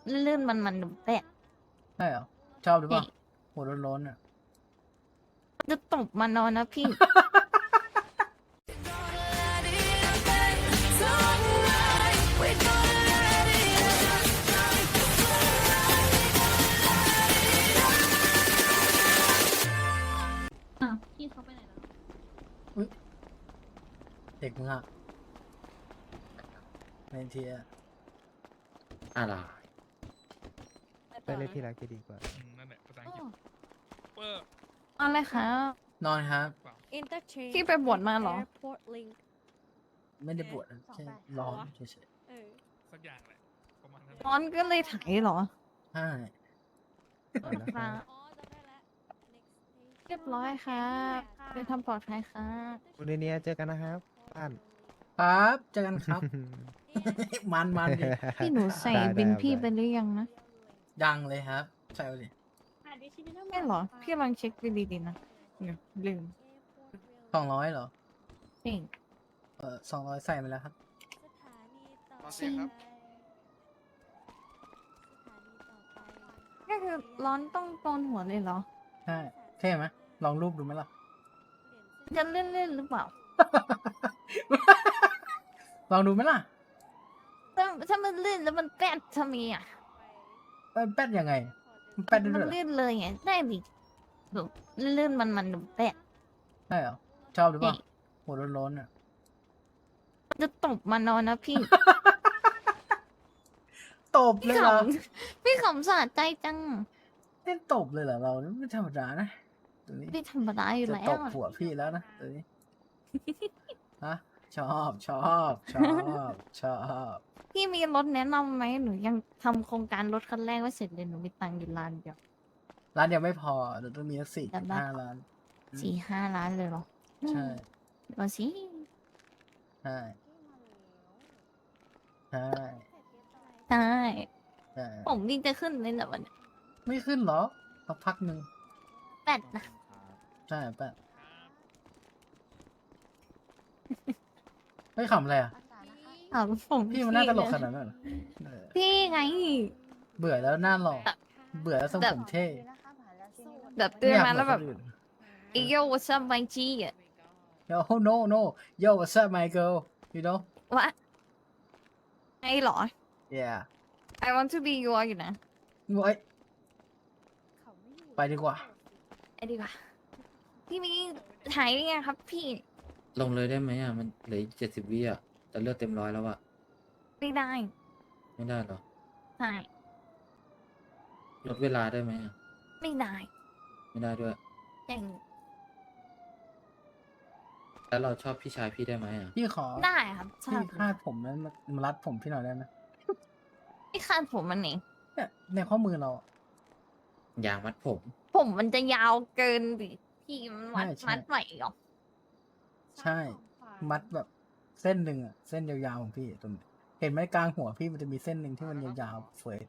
ลื่นมันแต่ใช่เหรอชอบหรือเปล่าหัวร้อนๆอ่ะจะตบมันนอนนะพี่พี่เขาไปไหนแล้วเด็กมึงอ่ะในทีอะอะไรไปเลยที่รักจะดีกว่านั่นแหละภาษาอังกฤษเปอร์อะไรคะนอนครับ Interchange พี่ไปบวชมาเหรอ Airport Link ไม่ได้ปวดนะแค่ร้อนเฉยเออสักอย่างแหละประมาณนั้นร้อนก็เลยไถเหรอๆใช่ค่ะอ๋อจำได้แล้ว Next เรียบร้อยครับไปทำปลอดภัยค่ะคุณเนียเจอกันนะครับบ้านครับเจอกันครับ มันดิพี่หนูใส่ได้บินได้พี่ได้ไปหรือยังนะยังเลยครับ ใส่ไปดิไม่หรอ พี่ลองเช็คดีๆนะเดี๋ยวลืม 200เหรอจริง 200ใส่ไปแล้วครับจริงก็คือร้อนต้องโกนหัวเลยเหรอใช่เท่ไหมลองรูปดูไหมล่ะจะเล่นๆหรือเปล่าลองดูไหมล่ะถ้ามันลื่นแล้วมันแป๊ดทำไมอ่ะแป๊ดยังไง มันแป๊ดได้มัด้วยเหรอลื่นเลยไงได้ดิแบบลื่นมันแป๊ดใช่เหรอชอบหรือเปล่านี่หัวร้อนๆอ่ะจะตบมันนอนนะพี่ตบเลยเหรอพี่ขำสะใจจังเล่นตบเลยเหรอเราไม่ธรรมดานะตัวนี้พี่ธรรมดาอยู่จะแล้ตวบอะหัวพี่แล้วนะตัวนี้ ฮะชอบพี่มีรถแนะนำไหมหนูยังทำโครงการรถคันแรกไม่เสร็จเลยหนูมีตังค์อยู่ล้านเดียวร้านเดียวไม่พอเดี๋ยวต้องมีสักจำได้ 4.5 ล้าน 4-5 ล้านเลยเหรอใช่เอาสิใช่ใช่ใช่ใช่ผมนี่จะขึ้นเลยนะวันนี้ไม่ขึ้นหรอสักพักหนึ่งแปดนะใช่แป๊บไม่ขำอะไรอ่ะเอาผมพี่มันน่าตลกขไงนาดนั้นเหรอเออพี่ไงเบื่อแล้วหน้าหล่อเบื่อแล้วทรงผมเท่แบบเตือนไยกมาแล้วแบบเหมือนคนอื่นอีโยวัซัมไบจีอ่ะ Yo no yo what's up my girl you know วะไงเหรอ yeah I want to be your อยู่นะเอ้ยไปดีกว่าไอ้ดีกว่าพี่มีถ่ายยังไงครับพี่ลงเลยได้ไหมอ่ะ มันเหลือ70 วิอ่ะแต่เลือดเต็มร้อยแล้วอ่ะไม่ได้ไม่ได้หรอใช่ลดเวลาได้ไหมอ่ะไม่ได้ไม่ได้ด้วยอย่างแล้วเราชอบพี่ชายพี่ได้ไหมอ่ะพี่ขอได้ครับชอพี่บคาดผมนั้นมารัดผมพี่หน่อยได้ไหมพี่คาดผมมันเองเนี่ยในข้อมือเราอะยางมัดผมผมมันจะยาวเกินดิพี่มันมัดใช่ใช่มัดไหวเหรอใช่ มัดแบบเส้นหนึ่งอะเส้นยาวๆของพี่ตรงนี้เห็นไหมกลางหัวพี่มันจะมีเส้นหนึ่งที่มันยาวๆเฟย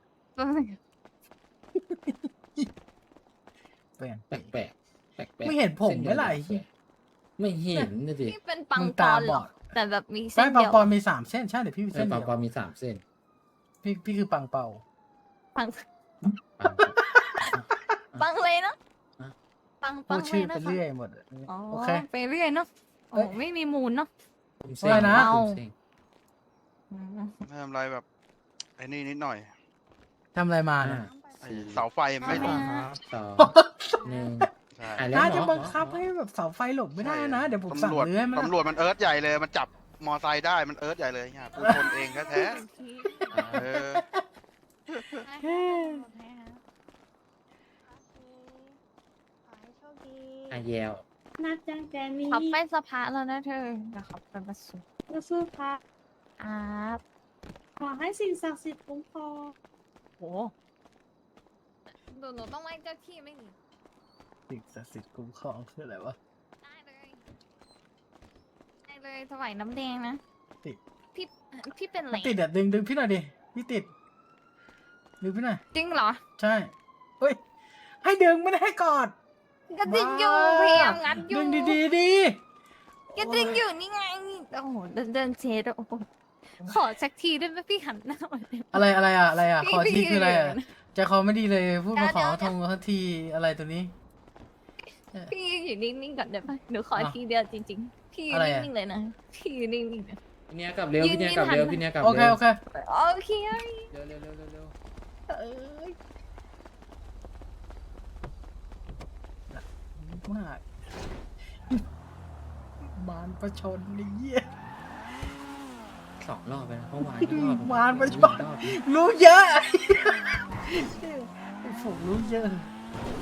เปลี่ยนแปลกแปลกแปลกแปลกไม่เห็นผมไหมล่ะเส้นไอ้เหี้ยไม่เห็นนะดิพี่เป็นปังมึงปตาอนเหบรออดแต่แบบมีเส้ใช่นปังเดียวปอนมี3 เส้นใช่เดี๋ยวพี่มีเอเส้อน ปาเดีงยวปอมี3 เส้นพี่คือปังเป่าปังปังปังเลยเนาะอ่ะปังพูปัดงชื่อเลไปยนะเรื่อยคะหมดอะอ๋อโอเคไปเรื่อยเนาะเอ้โอ้ยไม่มีมูลเนาะผมเส้นอะไรนะผมเส้นอืมไม่ทำอะไรแบบไอ้นี่นิดหน่อยทำอะไรมาห้าเนี่ยไอ้เสาไฟไม่ทำไมต่ออะ 2 1 ใช่อ่ะแล้วน่าหมจะอบังคับให้แบบเสาไฟหลบไม่ได้นะ เดี๋ยวผมสั่งตำรวจเลื้อยมันตำรวจมันเอิร์ธใหญ่เลย มันจับมอไซค์ได้มันเอิร์ธใหญ่เลยเนี่ยกูคนเองแท้ๆเอออ่ะแยวนัดแจ้งแจนมีขับไปสภาแล้วนะเธอเดี๋ยวขับไปประสูสู้ๆค่ะครับขอให้สิ่งศักดิ์สิทธิ์คุ้มครองโหหนูต้องไหว้เจ้าที่ไหม่หนิสิ่งศักดิ์สิทธิ์คุ้มครองคืออะไรวะได้เลยได้เลยถวายน้ำแดงนะติดพี่พี่เป็นอะไรติดอะดึงพี่หน่อยดิ พี่ติด ดึงพี่หน่อยจริงเหรอใช่ เฮ้ย ให้ดึงไม่ได้ให้กอดก็ดึงอยู่บ้าพยายามงัดอยู่ดึงดีๆดีก็ดึงอยู่นี่ไงโอ้โหเดินเชดโอ้โหขอสักทีได้ไหมพี่หันหน้ามาเลยอะไรอ่ะอะไรอ่ะพี่ขอทีพี่คืออะไรอ่ะยืนอยู่นะใจคอไม่ดีเลยพูดมาขอเดี๋ยวทงทันทีอะไรตัวนี้พี่อยู่นิ่งๆก่อนได้ปะหนูขออ่ะทีเดียวจริงๆ พี่อยู่อะไรอ่ะนิ่งๆเลยนะพี่อยู่นิ่งๆนะพี่เนี้ยกลับเร็วยืนพี่เนี้ยกลับยืนเร็วหันพี่เนี้ยกลับโอเคเร็วโอเคโอเคเร็วเร็วเร็วเร็วเร็วเอ้ยมากบานประชนไอ้เหี้ย 2 รอบไปแล้วเมื่อวานก็รอบวานประชดรอบรู้เยอะ ผมรู้เยอะ